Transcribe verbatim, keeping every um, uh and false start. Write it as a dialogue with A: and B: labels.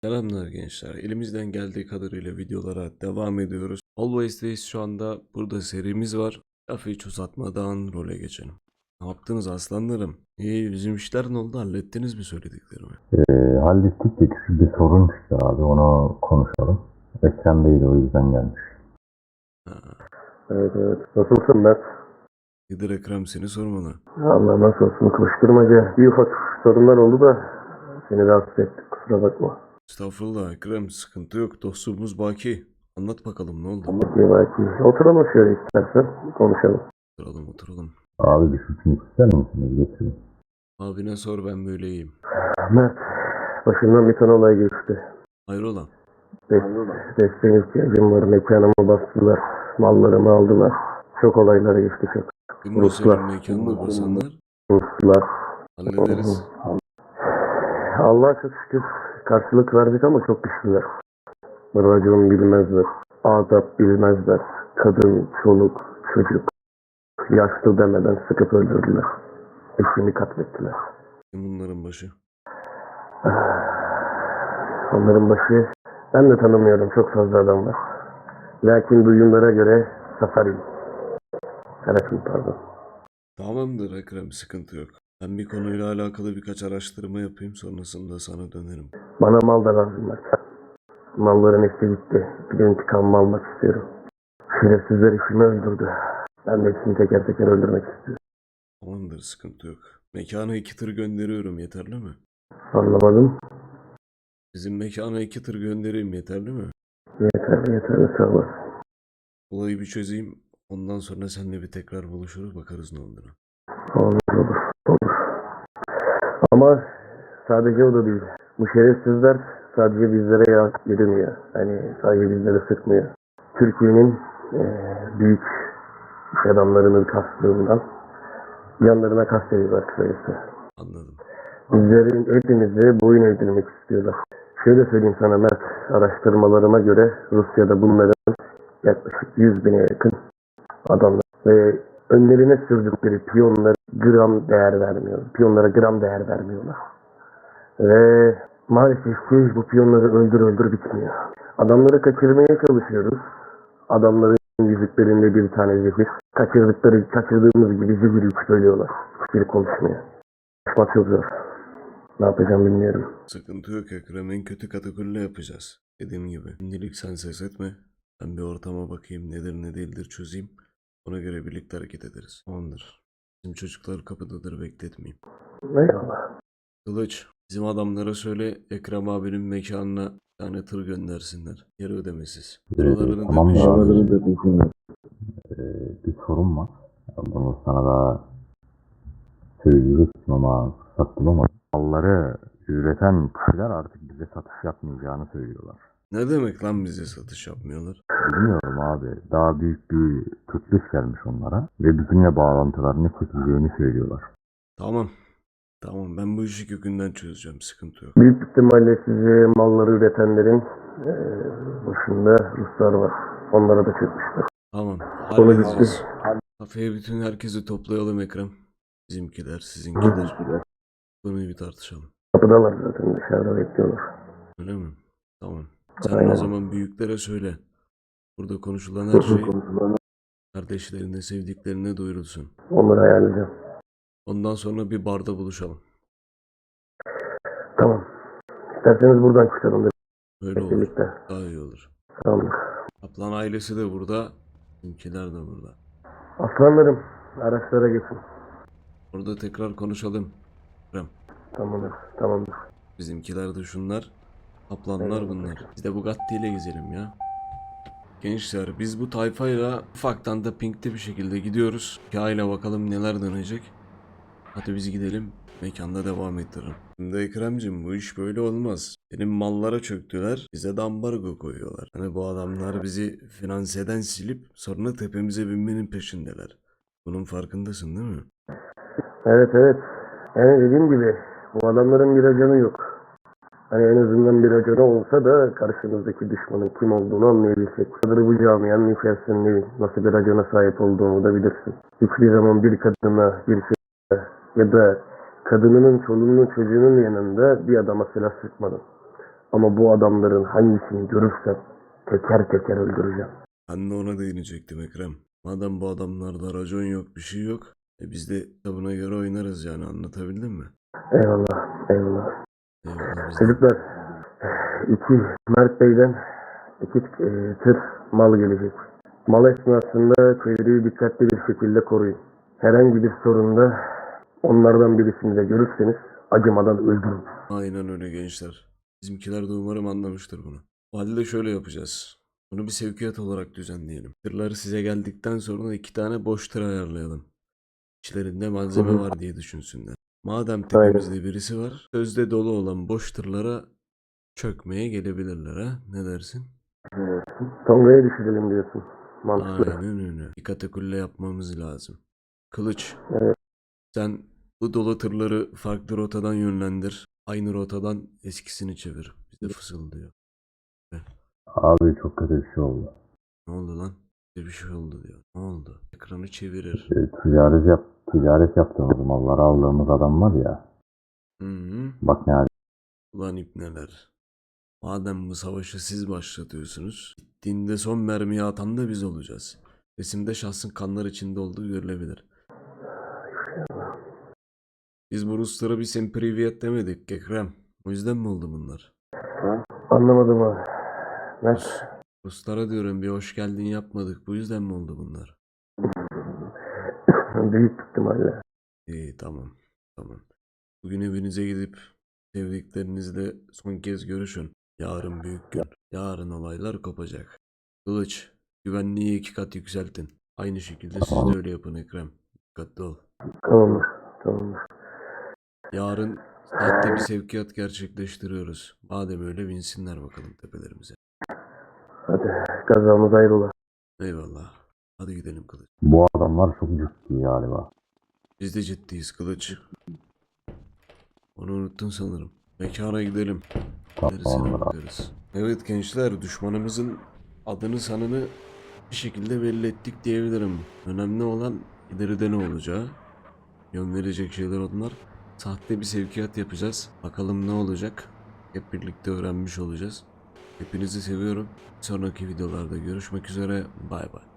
A: Selamlar gençler. Elimizden geldiği kadarıyla videolara devam ediyoruz. Always'teyiz şu anda. Burada serimiz var. Lafı hiç uzatmadan role geçelim. Ne yaptınız aslanlarım? İyi, bizim işler ne oldu? Hallettiniz mi söylediklerimi?
B: Ee, hallettik de küçük bir sorun çıktı abi, onu konuşalım. Ekrem değil, o yüzden gelmiş.
A: Ha,
C: Evet evet. Nasılsın Mert?
A: Nedir Ekrem, seni sormalı.
C: Allah nasıl olsun, koşturmaca. Bir ufak sorunlar oldu da seni rahatsız ettik, kusura bakma.
A: Estağfurullah Ekrem, sıkıntı yok. Dostluğumuz baki. Anlat bakalım ne oldu?
C: Bir belki oturalım şöyle istersen konuşalım.
A: Oturalım oturalım.
B: Abi bir sütünü ister misiniz? Getirin.
A: Abine sor, ben böyleyim.
C: Mert, başımdan bir tane olay geçti.
A: Hayrola?
C: Dest desteğe ihtiyacım var. Mekanımı bastılar. Mallarımı aldılar. Çok olaylar geçti çok.
A: Kim bu
C: Ruslar.
A: senin mekanına basanlar?
C: Ruslar.
A: Hallederiz.
C: Allah'a çok şükür karşılık verdik ama çok güçlüler. Racon bilmezler. Adap bilmezler. Kadın, çoluk, çocuk. Yaşlı demeden sıkıp öldürdüler. Eşimi katlettiler.
A: Kim bunların başı?
C: Onların başı ben de tanımıyorum, çok fazla adam var. Lakin duyumlara göre Safari. Serafin pardon.
A: Tamamdır Ekrem, sıkıntı yok. Ben bir konuyla alakalı birkaç araştırma yapayım, sonrasında sana dönerim.
C: Bana mal da lazım var. Malların hepsi gitti. Bir de intikamımı almak istiyorum. Şerefsizler işimi öldürdü. Ben de hepsini teker teker öldürmek istiyorum.
A: Tamamdır, sıkıntı yok. Mekana iki tır gönderiyorum, yeterli mi?
C: Anlamadım.
A: Bizim mekana iki tır göndereyim, yeterli mi?
C: Yeterli yeterli, sağ olasın.
A: Olayı bir çözeyim, ondan sonra seninle bir tekrar buluşuruz, bakarız ne olduğunu.
C: Olur olur olur. Ama sadece o da değil. Bu şerefsizler sadece bizlere ya yürümüyor. Hani sadece bizlere sıkmıyor. Türkiye'nin eee, büyük iş adamlarının kastığından yanlarına kastediyorlar kısacası.
A: Anladım.
C: Bizlerin hepimizi boyun eğdirmek istiyorlar. Şöyle söyleyeyim sana Mert, araştırmalarıma göre Rusya'da bunların yaklaşık yüz bine yakın adamlar ve önlerine sürdükleri piyonlara gram değer vermiyor. Piyonlara gram değer vermiyorlar. Ve maalesef ki bu piyonları öldür öldür bitmiyor. Adamları kaçırmaya çalışıyoruz. Adamların yüzüklerinde bir tane zehir. Kaçırdıkları, kaçırdığımız gibi zehir yük söylüyorlar. Hiçbiri konuşmuyor. Konuşmak çok zor. Ne yapacağım bilmiyorum.
A: Sıkıntı yok Ekrem, en kötü katakulle yapacağız. Dediğim gibi, şimdilik sen ses etme. Ben bir ortama bakayım, nedir ne değildir çözeyim. Ona göre birlikte hareket ederiz. Tamamdır. Bizim çocuklar kapıdadır, bekletmeyeyim.
C: Eyvallah.
A: Kılıç, bizim adamlara söyle Ekrem abinin mekanına bir tane tır göndersinler. Yarı ödemesiz. Buralarını
B: tamam
A: da
B: da
A: peşin ver.
B: Ee, bir sorun var. Bunu sana da söyleyecektim ama fırsat bulamadım. Malları üreten kişiler artık bize satış yapmayacağını söylüyorlar.
A: Ne demek lan bize satış yapmıyorlar?
B: Bilmiyorum abi. Daha büyük bir teklif gelmiş onlara ve bizimle bağlantılarını keseceğini söylüyorlar.
A: Tamam. Tamam, ben bu işi kökünden çözeceğim, sıkıntı yok.
C: Büyük ihtimalle sizi malları üretenlerin eee başında Ruslar var. Onlara da çökmüşler.
A: Tamam,
C: Konu
A: halledeceğiz.
C: bitti.
A: Kafeye bütün herkesi toplayalım Ekrem. Bizimkiler, sizinkiler. Konuyu bir tartışalım.
C: Kapıdalar zaten, dışarıda bekliyorlar.
A: Öyle mi? Tamam. Sen
C: Aynen.
A: o zaman büyüklere söyle. Burada konuşulan her şey kardeşlerine, sevdiklerine duyurulsun.
C: Onları ayarlayacağım.
A: Ondan sonra bir barda buluşalım.
C: Tamam. İsterseniz buradan çıkalım da
A: Öyle olur.
C: birlikte.
A: Daha iyi olur.
C: Tamamdır.
A: Kaplan ailesi de burada. Bizimkiler de burada.
C: Aslanlarım, araçlara geçin.
A: Orada tekrar konuşalım. Ekrem.
C: Tamamdır. Tamamdır.
A: Bizimkiler de şunlar. Kaplanlar bunlar. Biz de Bugatti ile gezelim ya. Gençler, biz bu tayfayla ufaktan da pinkte bir şekilde gidiyoruz. Hikayeyle bakalım neler dönecek. Hadi biz gidelim. Mekanda devam ettirelim. Şimdi Ekrem'cim, bu iş böyle olmaz. Benim mallara çöktüler. Bize de ambargo koyuyorlar. Hani bu adamlar bizi finanseden silip sonra tepemize binmenin peşindeler. Bunun farkındasın değil mi?
C: Evet evet. Yani dediğim gibi bu adamların bir ajanı yok. Hani en azından bir ajanı olsa da karşımızdaki düşmanın kim olduğunu anlayabilsek. Kadar bu camianın içerisinde nasıl bir ajana sahip olduğunu da bilirsin. Hiçbir zaman bir kadına, bir çocuğa ya da kadınının, çoluğunun, çocuğunun yanında bir adama silah sıkmadım. Ama bu adamların hangisini görürsem teker teker öldüreceğim.
A: Ben de ona değinecektim Ekrem. Madem bu adamlarda racon yok, bir şey yok. E biz de kitabına göre oynarız yani, anlatabildim mi?
C: Eyvallah, eyvallah.
A: Eyvallah biz de.
C: Çocuklar, iki Mert Bey'den iki e, tır mal gelecek. Mal esnasında çevreyi dikkatli bir şekilde koruyun. Herhangi bir sorunda onlardan birisini de görürseniz acımadan öldürün.
A: Aynen öyle gençler. Bizimkiler de umarım anlamıştır bunu. O halde şöyle yapacağız. Bunu bir sevkiyat olarak düzenleyelim. Tırlar size geldikten sonra iki tane boş tır ayarlayalım. İçlerinde malzeme
C: Hı hı.
A: var diye düşünsünler. Madem tepemizde birisi var, sözde dolu olan boş tırlara çökmeye gelebilirler ha. Ne dersin?
C: Tonga'ya düşürelim diyorsun. Mantıklı.
A: Aynen öyle. Bir katakulle yapmamız lazım. Kılıç,
C: Evet.
A: sen bu dolu tırları farklı rotadan yönlendir. Aynı rotadan eskisini çevir. Bize fısıldıyor.
B: Abi çok kötü bir şey oldu.
A: Ne oldu lan? Bir bir şey oldu diyor. Ne oldu? Ekranı çevirir.
B: E, ticaret, yap, ticaret yaptığımız malları aldığımız adam var ya.
A: Hı hı.
B: Bak ne hali.
A: Ulan ipneler. Madem bu savaşı siz başlatıyorsunuz, bittiğinde son mermiyi atan da biz olacağız. Resimde şahsın kanlar içinde olduğu görülebilir. Biz bu Ruslara bir sempriviyet demedik Ekrem. O yüzden mi oldu bunlar?
C: Anlamadım abi. Mert.
A: Ruslara diyorum bir hoş geldin yapmadık. Bu yüzden mi oldu bunlar?
C: Büyük ihtimalle.
A: İyi tamam. Tamam. Bugün evinize gidip sevdiklerinizle son kez görüşün. Yarın büyük gün. Yarın olaylar kopacak. Kılıç, güvenliği iki kat yükseltin. Aynı şekilde siz de öyle yapın Ekrem. Dikkatli ol.
C: Tamamdır. Tamamdır.
A: Yarın saatte bir sevkiyat gerçekleştiriyoruz. Madem öyle binsinler bakalım tepelerimize.
C: Hadi kazamız ayrıla.
A: Eyvallah. Hadi gidelim Kılıç.
B: Bu adamlar çok ciddi galiba.
A: Biz de ciddiyiz Kılıç. Onu unuttun sanırım. Mekana gidelim. Gerisine
B: Tamamdır abi.
A: bakarız. Evet gençler, düşmanımızın adını sanını bir şekilde belli ettik diyebilirim. Önemli olan ileride ne olacağı. Yön verecek şeyler onlar. Sahte bir sevkiyat yapacağız. Bakalım ne olacak. Hep birlikte öğrenmiş olacağız. Hepinizi seviyorum. Sonraki videolarda görüşmek üzere. Bay bay.